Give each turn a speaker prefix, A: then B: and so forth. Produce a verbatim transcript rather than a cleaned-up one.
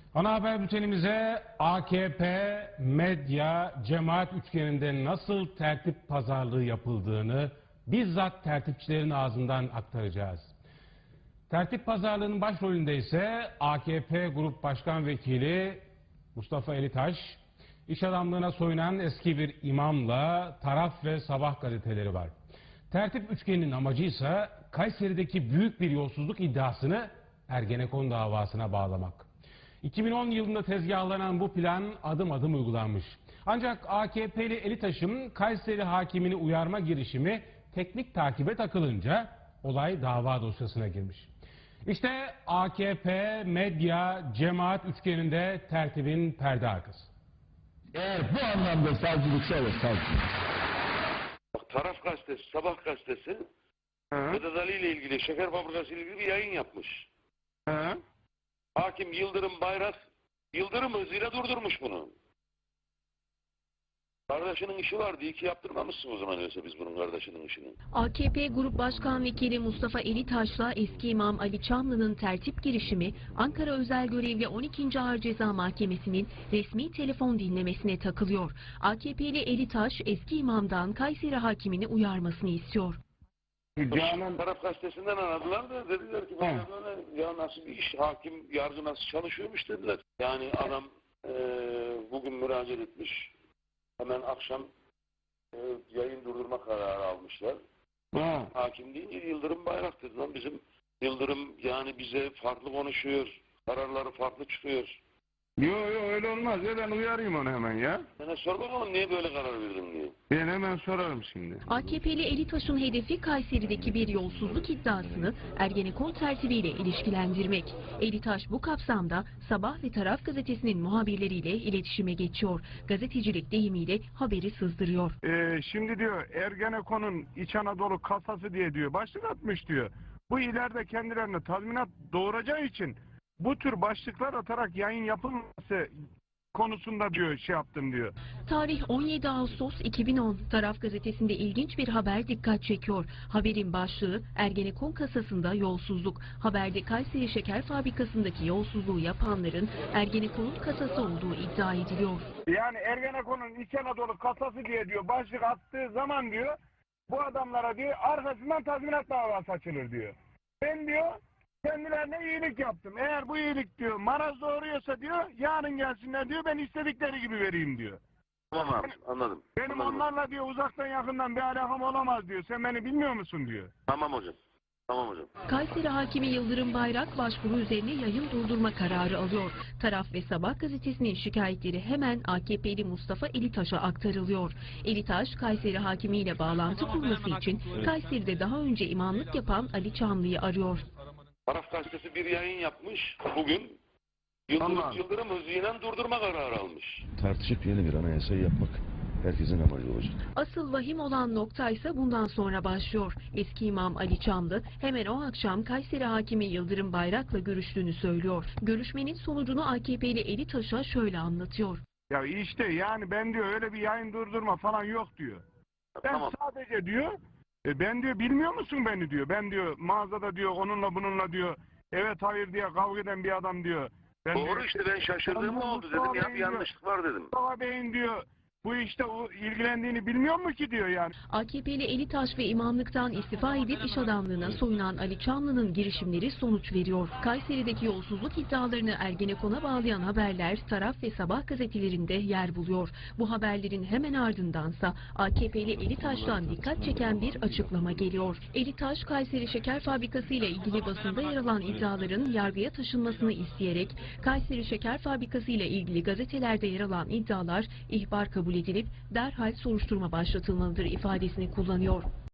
A: Ana haber bültenimize A K P, medya, cemaat üçgeninde nasıl tertip pazarlığı yapıldığını bizzat tertipçilerin ağzından aktaracağız. Tertip pazarlığının başrolünde ise A K P Grup Başkan Vekili Mustafa Elitaş, iş adamlığına soyunan eski bir imamla Taraf ve Sabah gazeteleri var. Tertip üçgeninin amacı ise Kayseri'deki büyük bir yolsuzluk iddiasını Ergenekon davasına bağlamak. iki bin on yılında tezgahlanan bu plan adım adım uygulanmış. Ancak A K P'li Elitaş'ın Kayseri hakimini uyarma girişimi teknik takibe takılınca olay dava dosyasına girmiş. İşte A K P, medya, cemaat üçgeninde tertibin perde arkası.
B: Eğer bu anlamda savcılıksa olur savcılık.
C: Bak, Taraf gazetesi, Sabah gazetesi Vedat Ali ile ilgili, şeker fabrikası ile ilgili bir yayın yapmış.
A: Hı?
C: Hakim Yıldırım Bayrak, Yıldırım hızıyla durdurmuş bunu. Kardeşinin işi vardı, iyi ki yaptırmamışsın o zaman öyleyse biz bunun kardeşinin işini.
D: A K P Grup Başkan Vekili Mustafa Elitaş'la eski imam Ali Çamlı'nın tertip girişimi Ankara Özel Görevli on ikinci Ağır Ceza Mahkemesi'nin resmi telefon dinlemesine takılıyor. A K P'li Elitaş eski imamdan Kayseri hakimini uyarmasını istiyor.
C: Canan Taraf gazetesinden aradılar da dediler ki böyle böyle ya nasıl bir iş, hakim yargı nasıl çalışıyormuş dediler. Yani adam e, bugün müracaat etmiş. Hemen akşam e, yayın durdurma kararı almışlar.
B: Ha.
C: Hakim deyince Yıldırım Bayrak dedi lan, bizim Yıldırım yani bize farklı konuşuyor. Kararları farklı çıkıyor.
B: Yo yo öyle olmaz ya, ben uyarayım onu hemen ya.
C: Sana sor bakalım niye böyle karar verdin diye.
B: Ben hemen sorarım şimdi.
D: A K P'li Elitaş'ın hedefi Kayseri'deki bir yolsuzluk iddiasını Ergenekon tertibiyle ilişkilendirmek. Elitaş bu kapsamda Sabah ve Taraf gazetesinin muhabirleriyle iletişime geçiyor. Gazetecilik deyimiyle haberi sızdırıyor.
B: Ee, şimdi diyor Ergenekon'un İç Anadolu kasası diye diyor başlık atmış diyor. Bu ileride kendilerine tazminat doğuracağı için bu tür başlıklar atarak yayın yapılması konusunda diyor şey yaptım diyor.
D: Tarih on yedi Ağustos iki bin on. Taraf gazetesinde ilginç bir haber dikkat çekiyor. Haberin başlığı Ergenekon kasasında yolsuzluk. Haberde Kayseri Şeker Fabrikası'ndaki yolsuzluğu yapanların Ergenekon'un kasası olduğu iddia ediliyor.
B: Yani Ergenekon'un İç Anadolu kasası diye diyor başlık attığı zaman diyor bu adamlara diyor arkasından tazminat davası açılır diyor. Ben diyor kendilerine iyilik yaptım. Eğer bu iyilik diyor maraz doğuruyorsa diyor yarın gelsinler diyor ben istedikleri gibi vereyim diyor.
C: Tamam abi, anladım.
B: Benim
C: anladım.
B: onlarla diyor uzaktan yakından bir alakam olamaz diyor. Sen beni bilmiyor musun diyor.
C: Tamam hocam. Tamam hocam.
D: Kayseri hakimi Yıldırım Bayrak başvuru üzerine yayın durdurma kararı alıyor. Taraf ve Sabah gazetesinin şikayetleri hemen A K P'li Mustafa Elitaş'a aktarılıyor. Elitaş, Kayseri hakimiyle bağlantı kurması için Kayseri'de daha önce imamlık yapan Ali Çamlı'yı arıyor.
C: Taraf gazetesi bir yayın yapmış bugün. Yıldırım,
B: Allah.
C: Yıldırım hızıyla durdurma kararı almış.
E: Tartışıp yeni bir anayasayı yapmak herkesin amacı olacak.
D: Asıl vahim olan nokta ise bundan sonra başlıyor. Eski imam Ali Çamlı hemen o akşam Kayseri hakimi Yıldırım Bayrak'la görüştüğünü söylüyor. Görüşmenin sonucunu A K P'li Elitaş'a şöyle anlatıyor.
B: Ya işte yani ben diyor öyle bir yayın durdurma falan yok diyor. Ben
C: Tamam.
B: sadece diyor e ben diyor bilmiyor musun beni diyor. Ben diyor mağazada diyor onunla bununla diyor evet hayır diye kavga eden bir adam diyor. Ben
C: Doğru
B: diyor,
C: işte, ben şaşırdığım
B: Ben
C: oldu
B: Mustafa
C: dedim ya,
B: Bey'in
C: bir
B: diyor,
C: yanlışlık var dedim.
B: Mustafa Bey'in diyor bu işte o ilgilendiğini bilmiyor mu ki diyor yani.
D: A K P'li Elitaş ve imamlıktan istifa edip iş adamlığına soyunan Ali Çamlı'nın girişimleri sonuç veriyor. Kayseri'deki yolsuzluk iddialarını Ergenekon'a bağlayan haberler Taraf ve Sabah gazetelerinde yer buluyor. Bu haberlerin hemen ardındansa A K P'li Elitaş'tan dikkat çeken bir açıklama geliyor. Elitaş, Kayseri Şeker Fabrikası ile ilgili basında yer alan iddiaların yargıya taşınmasını isteyerek Kayseri Şeker Fabrikası ile ilgili gazetelerde yer alan iddialar ihbar kabul edilip derhal soruşturma başlatılmalıdır ifadesini kullanıyor.